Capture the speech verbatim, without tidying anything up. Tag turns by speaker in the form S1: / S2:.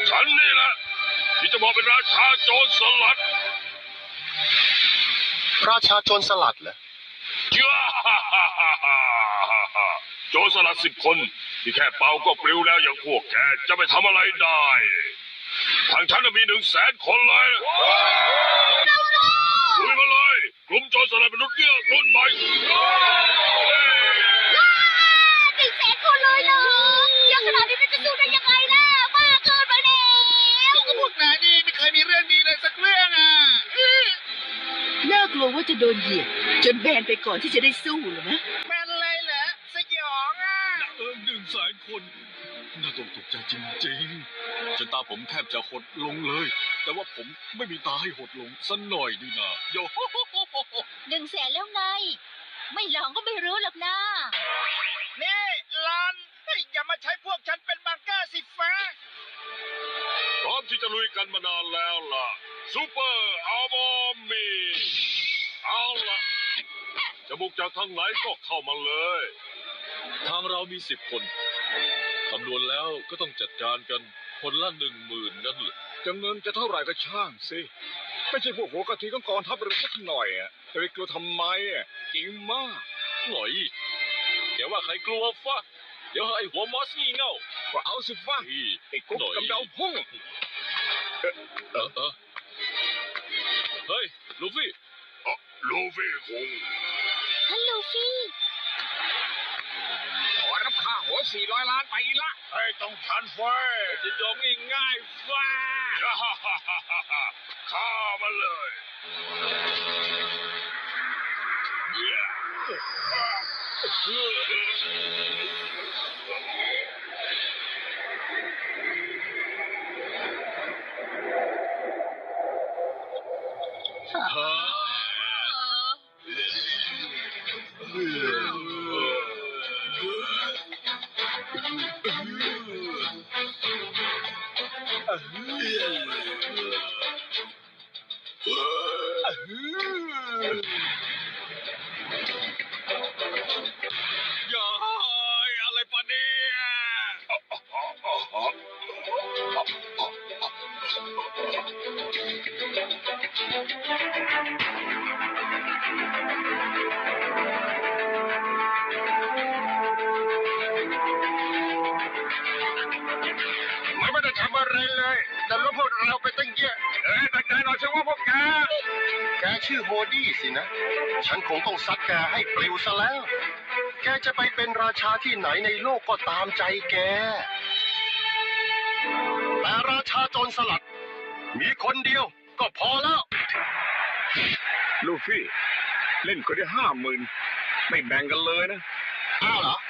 S1: ฉันนี่แหละที่จะบอกเป็นราชาโจรสลัด
S2: ราชาโจรสลัดเหรอ
S1: โจรสลัดสิบคนที่แค่เป่าก็ปลิวแล้วอย่างพวกแกจะไปทำอะไรได้ทางฉันมีหนึ่งแสนคนเลยลุยมาเลยกลุ่มโจรสลัดมนุษย์เงือกรุ่นใหม่
S3: หนึ่งแสนคนเลยเหรอเยอะขนาดนี้มันจะสู้ได้ยังไงล่ะมากเกินไปแล้ว
S4: ก็พวกนายนี่ไม่เคยมีเรื่องดีเลยสักเรื่องอ่ะ
S5: น่ากลัวว่าจะโดนเหยียบจนแบนไปก่อนที่จะได้สู้หรือนะ
S4: แบนเลยเหรอสยองอ่ะ
S6: เออหนึ่งแสนคนน่าตกตกใจจริงๆจนตาผมแทบจะหดลงเลยแต่ว่าผมไม่มีตาให้หดลงสักหน่อยดีนะโย
S3: หนึ่งแสนแล้วไงไม่ลองก็ไม่รู้หรอกนะ
S4: นี่ลอนอย่ามาใช้พวกฉันเป็นบังเกอร์สิฟ้า
S1: พร้อมที่จะลุยกันมานานแล้วล่ะซูเปอร์อัลบอมมีเอาล่ะจะบุกจากทางไหนก็เข้ามาเลย
S6: ทางเรามีสิบคนคำนวณแล้วก็ต้องจัดการกันคนละหนึ่งหมื่นนั่นแหละ
S7: จะเงินจะเท่าไหร่ก็ช่างสิไม่ใช่พวกหัวกะทิของกองทัพเรือสักหน่อยอ่ะจะไปกลัวทำไมอ่ะจริงมาก
S6: หน่อยเดี๋ยวว่าใครกลัวฟ้าเดี๋ยวไอ้หัวมอสงี่เง่า
S7: ก็เอาสิฟ้าไอ้กุ๊กกำเดาพุ่ง
S6: เออเออเฮ้ยลูฟี่
S1: อ๋อลูฟี่คง
S3: ฮัลโหลฟี่
S7: ขอรับค่าหัวสี่ร้อยล้านไปละ
S1: ไอ้ต้องทันไฟ
S6: จะยอมง่ายๆฟ้า
S1: ข้ามาเลย
S6: อะไรปะเนี่ย
S2: มันไม่ได้ทำอะไรเลยแต่รู้พวกเราไปตั้งเยอะ
S1: เอ้ยตั้งใจหน่อยสิว่าพวกแก
S2: แกชื่อโฮดี้สินะฉันคงต้องซัดแกให้ปลิวซะแล้วแกจะไปเป็นราชาที่ไหนในโลกก็ตามใจแกแต่ราชาโจรสลัดมีคนเดียวก็พอแล้ว
S7: ลูฟี่เล่นคนได้ห้าหมื่นไม่แบ่งกันเลยนะ
S2: อ้าวเหรอ